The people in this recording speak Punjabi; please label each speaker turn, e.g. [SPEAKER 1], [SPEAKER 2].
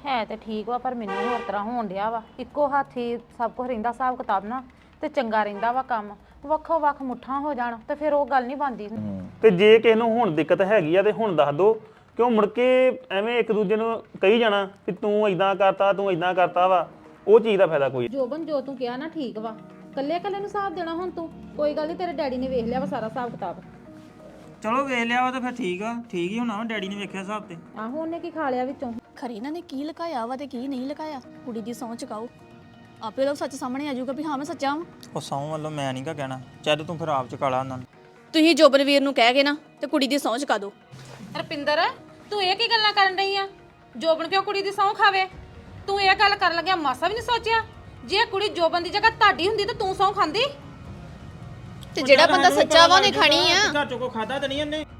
[SPEAKER 1] ਹੈ ਤੇ ਠੀਕ ਵਾ ਪਰ ਮੈਨੂੰ ਹੋਰ ਤਰ੍ਹਾਂ ਹੋਣ ਡਿਆ ਵਾ। ਇੱਕੋ ਹੱਥੀ ਸਭ ਕੁਝ ਰਹਿੰਦਾ ਹਿਸਾਬ ਕਿਤਾਬ ਨਾ ਤੇ ਚੰਗਾ ਰਹਿੰਦਾ ਵਾ ਕੰਮ। ਵੱਖੋ ਵੱਖ ਮੁੱਠਾਂ ਹੋ ਜਾਣ ਤੇ ਫਿਰ ਉਹ ਗੱਲ ਨਹੀਂ ਬਣਦੀ।
[SPEAKER 2] ਤੇ ਜੇ ਕਿਸੇ ਨੂੰ ਹੁਣ ਦਿੱਕਤ ਹੈਗੀ ਆ ਤੇ ਹੁਣ ਦੱਸ ਦੋ, ਕਿਉਂ ਮੁੜ ਕੇ ਐਵੇਂ ਇੱਕ ਦੂਜੇ ਨੂੰ ਕਹੀ ਜਾਣਾ ਕਿ ਤੂੰ ਇਦਾਂ ਕਰਤਾ ਤੂੰ ਇਦਾਂ ਕਰਤਾ ਵਾ, ਉਹ ਚੀਜ਼ ਦਾ ਫਾਇਦਾ ਕੋਈ।
[SPEAKER 1] ਜੋਬਨ ਜੋ ਤੂੰ ਕਿਹਾ ਨਾ ਠੀਕ ਵਾ, ਕੱਲੇ ਕੱਲੇ ਨੂੰ ਹਿਸਾਬ ਦੇਣਾ ਹੁਣ ਤੂੰ। ਕੋਈ ਗੱਲ ਨਹੀਂ, ਤੇਰੇ ਡੈਡੀ ਨੇ ਵੇਖ ਲਿਆ ਵਾ ਸਾਰਾ ਹਿਸਾਬ ਕਿਤਾਬ।
[SPEAKER 3] ਚਲੋ ਵੇਖ ਲਿਆ ਵਾ ਤਾਂ ਫਿਰ ਠੀਕ ਆ, ਠੀਕ ਹੀ ਹੋਣਾ ਵਾ, ਡੈਡੀ ਨੇ ਵੇਖਿਆ ਹਿਸਾਬ ਤੇ।
[SPEAKER 1] ਆਹੋ ਉਹਨੇ ਕੀ ਖਾ ਲਿਆ ਵਿੱਚੋਂ।
[SPEAKER 4] ਖਰੇ ਇਹਨਾਂ ਨੇ ਕੀ ਲੁਕਾਇਆ ਵਾ ਤੇ ਕੀ ਨਹੀਂ ਲੁਕਾਇਆ। ਕੁੜੀ ਦੀ ਸਹੁੰ ਚੁਕਾਓ, ਆਪੇ ਲੋਕ ਸੱਚ ਸਾਹਮਣੇ ਆ ਜਾਊਗਾ ਵੀ ਹਾਂ ਮੈਂ ਸੱਚਾ ਵਾਂ।
[SPEAKER 3] ਉਹ ਸਹੁੰ ਵੱਲੋਂ ਮੈਂ ਨਹੀਂ ਕਾ ਕਹਿਣਾ, ਚੱਲ ਤੂੰ ਫਿਰ ਆਪ ਚੁਕਾ ਲਾ ਉਹਨਾਂ ਨੂੰ।
[SPEAKER 4] ਤੁਸੀਂ ਜੋਬਨਵੀਰ ਨੂੰ ਕਹਿ ਗਏ ਨਾ ਤੇ ਕੁੜੀ ਦੀ ਸਹੁੰ ਚੁਕਾ ਦਿਓ।
[SPEAKER 1] ਰਪਿੰਦਰ, ਤੂੰ ਇਹ ਕੀ ਗੱਲਾਂ ਕਰਨ ਰਹੀ ਆ? ਜੋਬਨ ਕਿਉਂ ਕੁੜੀ ਦੀ ਸਹੁੰ ਖਾਵੇ? ਤੂੰ ਇਹ ਗੱਲ ਕਰਨ ਲੱਗਿਆ ਮਾਸਾ ਵੀ ਨਹੀਂ ਸੋਚਿਆ? ਜੇ ਕੁੜੀ ਜੋਬਨ ਦੀ ਜਗ੍ਹਾ ਤੁਹਾਡੀ ਹੁੰਦੀ ਤਾਂ ਤੂੰ ਸਹੁੰ ਖਾਂਦੀ?
[SPEAKER 4] ਤੇ ਜਿਹੜਾ ਬੰਦਾ ਸੱਚਾ ਵਾ ਉਹਨੇ ਖਾਣੀ ਆ।
[SPEAKER 3] ਘਰ ਚੋਂ ਕੋ ਖਾਦਾ ਤਾਂ ਨਹੀਂ ਉਹਨੇ।